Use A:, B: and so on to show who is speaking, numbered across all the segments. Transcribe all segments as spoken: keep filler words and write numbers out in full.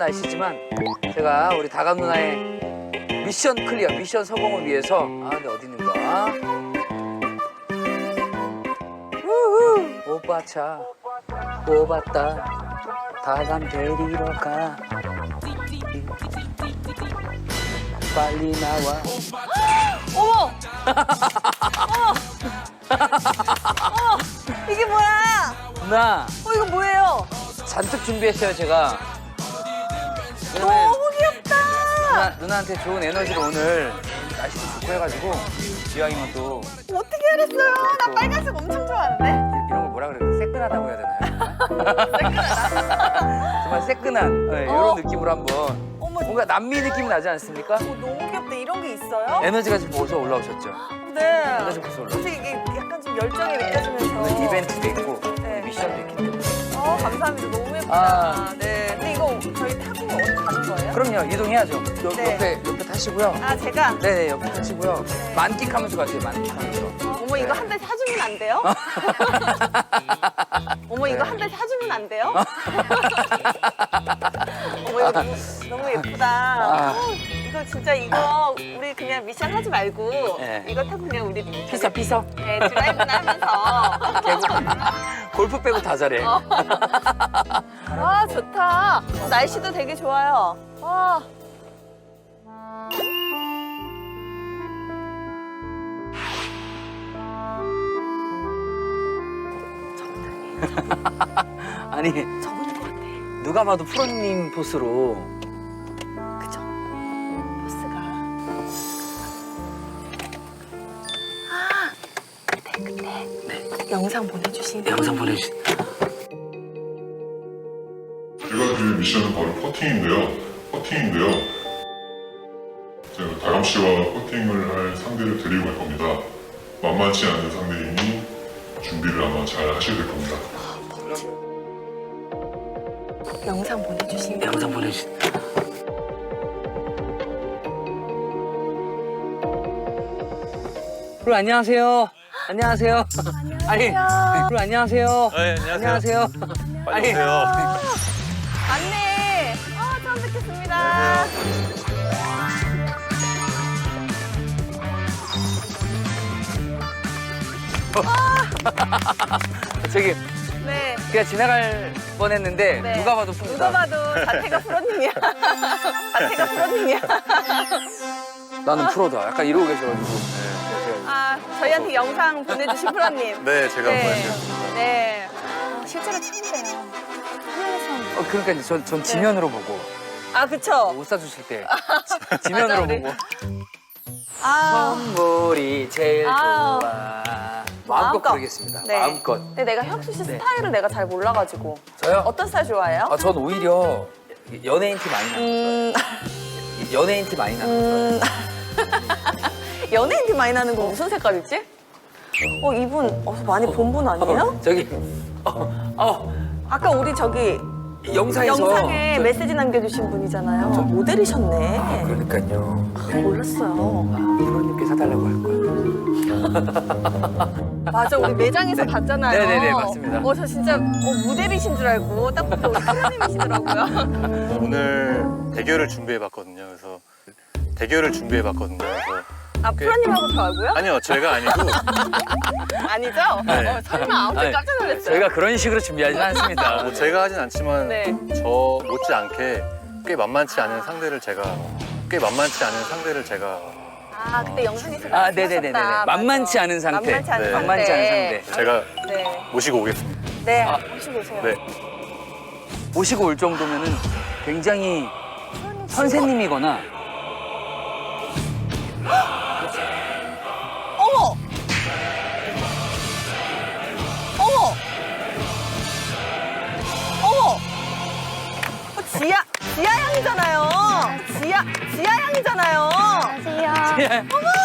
A: 날씨지만 제가 우리 다감 누나의 미션 클리어, 미션 성공을 위해서 아, 근데 어디 있는가? 우후, 오빠차 뽑았다. 다감 데리러 가. 빨리 나와.
B: 어머! 어머! 어머! 이게 뭐야?
A: 누나,
B: 어, 이거 뭐예요?
A: 잔뜩 준비했어요, 제가. 왜냐면
B: 너무 귀엽다!
A: 누나, 누나한테 좋은 에너지를 오늘 날씨도 좋고 해가지고 기왕이면 또
B: 어떻게 알았어요? 나 빨간색 엄청 좋아하는데?
A: 이런 걸 뭐라 그래요? 새끈하다고 해야 되나요? 새끈하다. 정말 새끈한 네, 이런
B: 어.
A: 느낌으로 한번
B: 어머,
A: 뭔가 남미 느낌이 나지 않습니까?
B: 어, 너무 귀엽다. 이런 게 있어요?
A: 에너지가 지금 벌써 올라오셨죠?
B: 네.
A: 에너지 벌써 올라오셨죠?
B: 사실 이게 약간 좀 열정이 느껴지면서.
A: 오늘 이벤트도 있고
B: 네.
A: 미션도 있기 때문에
B: 어, 감사합니다. 너무 예쁘다.
A: 아.
B: 네. 근데 이거 저희 타고 어디 가는 거예요?
A: 그럼요, 이동해야죠. 요,
B: 네.
A: 옆에, 옆에 타시고요.
B: 아, 제가?
A: 네네, 옆에 타시고요. 만끽하면서 가세요, 만끽하면서.
B: 어머, 이거
A: 네.
B: 한 대 사주면 안 돼요? 어머, 이거
A: 네.
B: 한 대 사주면 안 돼요? 어머, 이거 너무, 너무 예쁘다.
A: 아.
B: 어, 이거 진짜 이거 우리 그냥 미션 하지 말고
A: 네.
B: 이거 타고 그냥 우리
A: 피서, 피서.
B: 네, 드라이브나 하면서.
A: 개구. 골프 빼고 다 잘해.
B: 어. 와, 좋다. 어, 날씨도 되게 좋아요. 와.
A: 아니,
B: 저분인 것 같아.
A: 누가 봐도 프로님 포스로.
B: 그죠? 버스가. 아, 그때 그때
A: 네.
B: 영상 보내주신
A: 영상 보내주신.
C: 제가 드릴 미션은 바로 퍼팅인데요. 퍼팅인데요. 제가 다감 씨와 퍼팅을 할 상대를 데리고 갈 겁니다. 만만치 않은 상대이니 준비를 아마 잘 하셔야 될 겁니다.
B: 영상 보내주신
A: 영상 보내주신. 그럼 안녕하세요. 안녕하세요. 아니, 그럼 안녕하세요.
D: 네, 안녕하세요.
A: 안녕하세요.
D: 빨리 오세요.
B: 맞네. 아, 처음 뵙겠습니다.
A: 저기
B: 네.
A: 그냥 지나갈 뻔했는데
B: 네.
A: 누가 봐도 프로다.
B: 누가 봐도 자태가 프로님이야. 자태가 프로님이야.
A: 나는 프로다. 약간 이러고 계셔가지고. 네, 제가
B: 아, 저희한테 영상 보내주신 프로님.
D: 네, 제가
B: 네.
D: 보내드렸습니다.
B: 네. 어, 실제로 처음 봬요. 화면에서 처음
A: 어, 그러니까 이제 전, 전 지면으로 보고
B: 아, 그쵸?
A: 옷 사주실 때 지- 지면으로
B: 맞아, 우리.
A: 보고
B: 아.
A: 선물이 제일
B: 아우.
A: 좋아. 마음껏
B: 마음껏.
A: 부르겠습니다.
B: 네.
A: 마음껏.
B: 근데 내가 혁수 씨
A: 네.
B: 스타일을 내가 잘 몰라가지고.
A: 저요?
B: 어떤 스타일 좋아해요?
A: 아, 전 오히려 연예인 티 많이 나는
B: 음,
A: 거. 연예인 티 많이 나는
B: 음. 연예인 티 많이 나는 거 무슨 색깔이지? 어, 이분 어디서 많이 본 분
A: 거.
B: 아니에요?
A: 저기 어, 어,
B: 아까 우리 저기
A: 영상에서
B: 영상에
A: 저-
B: 메시지 남겨주신 분이잖아요. 모델이셨네.
A: 그러니까요. 네.
B: 몰랐어요.
A: 프로님께 사달라고 할 걸.
B: 맞아, 우리 매장에서 봤잖아요.
A: 네네네, 맞습니다.
B: 어, 저 진짜 어, 모델이신 줄 알고 딱 보니까 우리 프로님이시더라고요.
D: 오늘 대결을 준비해봤거든요. 그래서 대결을 준비해봤거든요. 그래서
B: 아, 프로님하고 저하고요?
D: 아니요, 제가 아니고
B: 아니죠?
D: 네.
B: 어, 설마 아무튼
A: 아니,
B: 깜짝 놀랐어요.
A: 저희가 그런 식으로 준비하진 않습니다.
D: 뭐 제가 하진 않지만
B: 네.
D: 저 못지않게 꽤 만만치 않은 상대를 제가 꽤 만만치 않은 상대를 제가
B: 아, 그때 영상에서
A: 아, 네네네네.
B: 말씀하셨다.
A: 만만치
B: 맞아.
A: 않은 상태.
B: 만만치 않은
D: 네.
B: 상태.
A: 만만치 않은 상태.
D: 제가
B: 네.
D: 모시고 오겠습니다.
B: 네,
A: 아.
B: 혹시 보세요.
D: 네.
A: 모시고 올 정도면은 굉장히 선생님이거나
B: 어머! 어머! 어머! 어, 지아, 지아 양이잖아요. 지아, 지아 양이잖아요.
A: 예.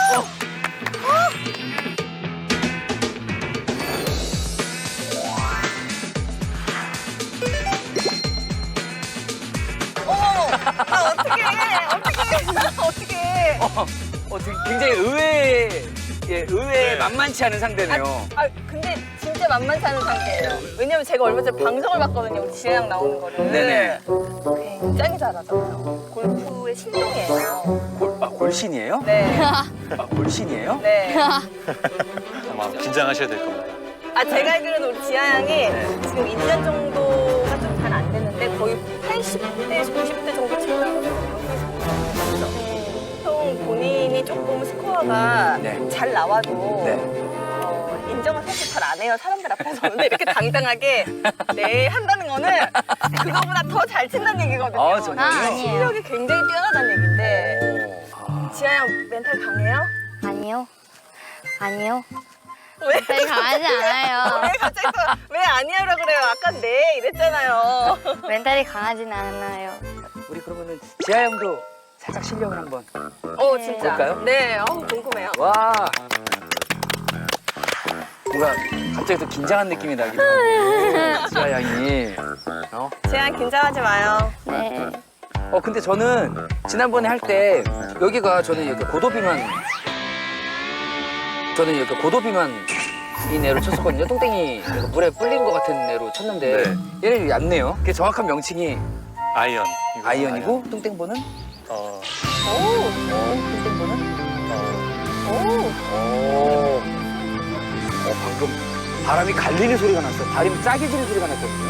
B: 어머! 아, 어떡해. 어떡해. 어떡해.
A: 어, 어, 되게 굉장히 의외, 예, 의외
D: 네.
A: 만만치 않은 상대네요.
B: 아, 근데 진짜 만만치 않은 상태예요. 왜냐면 제가 얼마 전에 방송을 봤거든요. 우리 지아 양 나오는 거를.
A: 네네.
B: 굉장히 굉장히 잘하잖아요. 골프의 신동이에요.
A: 골, 아, 골신이에요?
B: 네.
A: 아, 골신이에요?
B: 네.
D: 아마 긴장하셔야 될 겁니다.
B: 아, 제가 알기로는 우리 지아 양이 지금 일 년 정도가 좀 잘 안 됐는데 거의 팔십 대, 구십 대 정도 치고 보통 본인이 조금 스코어가
A: 네.
B: 잘 나와도
A: 네.
B: 어, 인정을 사실 잘 안 해요, 사람들 앞에서. 근데 이렇게 당당하게 네 한다는 거는 그거보다 더 잘 친다는 얘기거든요.
A: 아, 정말요?
E: 아, 아니에요.
B: 실력이 굉장히 뛰어나다는 얘기인데
A: 오. 아.
B: 지아 양 멘탈 강해요?
E: 아니요. 아니요.
B: 왜?
E: 멘탈이 강하지 않아요.
B: 왜 갑자기 또 왜 아니야라 그래요? 아까 네 이랬잖아요.
E: 멘탈이 강하진 않아요.
A: 우리 그러면은 지아 형도 살짝 실력을 한번.
B: 어 진짜.
A: 볼까요?
B: 네, 어 궁금해요.
A: 와. 뭔가 갑자기 또 긴장한 느낌이 나기도 하고. 지아 양이. 어?
B: 지아 양 긴장하지 마요.
E: 네.
A: 어 근데 저는 지난번에 할 때 여기가 저는 이렇게 고도비만 저는 이렇게 고도비만 이 애로 쳤었거든요. 똥땡이 약간 물에 불린 것 같은 애로 쳤는데
D: 네.
A: 얘는 얕네요. 그 정확한 명칭이
D: 아이언. 이거
A: 아이언이고 똥땡보는
D: 어,
B: 오,
A: 어, 똥땡보는
D: 어,
B: 오.
A: 오. 어 방금 바람이 갈리는 소리가 났어. 바람이 짜게지는 소리가 났거든요.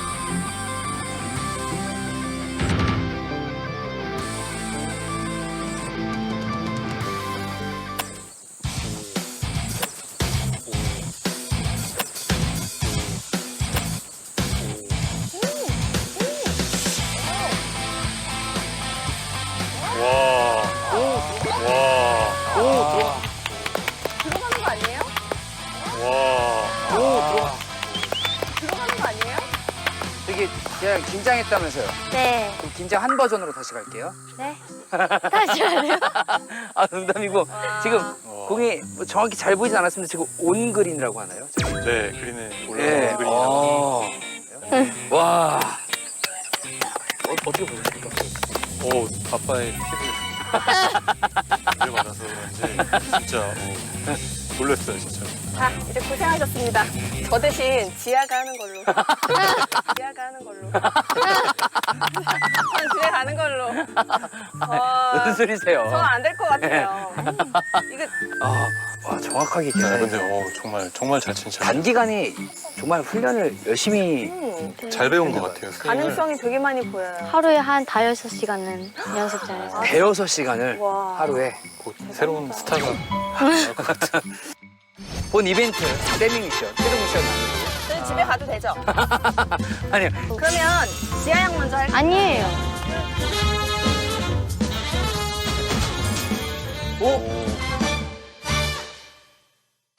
D: 와. 와.
A: 오 들어가.
B: 들어가는 거 아니에요?
D: 와.
A: 오 들어가.
B: 들어가는 거 아니에요?
A: 되게 그냥 긴장했다면서요.
E: 네.
A: 그럼 긴장 한 버전으로 다시 갈게요.
E: 네. 다시 하래요?
A: 아 농담이고 지금 공이 뭐 정확히 잘 보이진 않았습니다. 지금 온 그린이라고 하나요?
D: 네, 그린에
A: 네.
D: 올라온 그린이라고.
A: 어. 와. 어, 어떻게 보셨습니까?
D: 오, 아빠의 팁을 받아서 그런지 진짜 어, 놀랐어요, 진짜.
B: 자, 이제 고생하셨습니다. 저 대신 지아가 하는 걸로. 지아가 하는 걸로. 전 집에 가는 걸로.
A: 무슨 소리세요?
B: 저는 안 될 것 같아요. 음, 이거
A: 아, 와 정확하게
D: 네,
A: 기억나요.
D: 근데 어, 정말 정말 잘 친다.
A: 단기간에 정말 훈련을 열심히
B: 음,
D: 잘 배운 것 같아요. 스윙을.
B: 가능성이 되게 많이 보여요.
E: 하루에 한 다여섯 시간은 연습장에서.
A: 대여섯 시간을
B: 와.
A: 하루에
D: 곧 새로운 스타가 나올 것 같은.
A: 본 이벤트 세밍 미션, 최종 미션
B: 저희 집에 가도 되죠?
A: 아니요.
B: 그러면 지아 양 먼저 할게요.
E: 아니에요.
A: 오,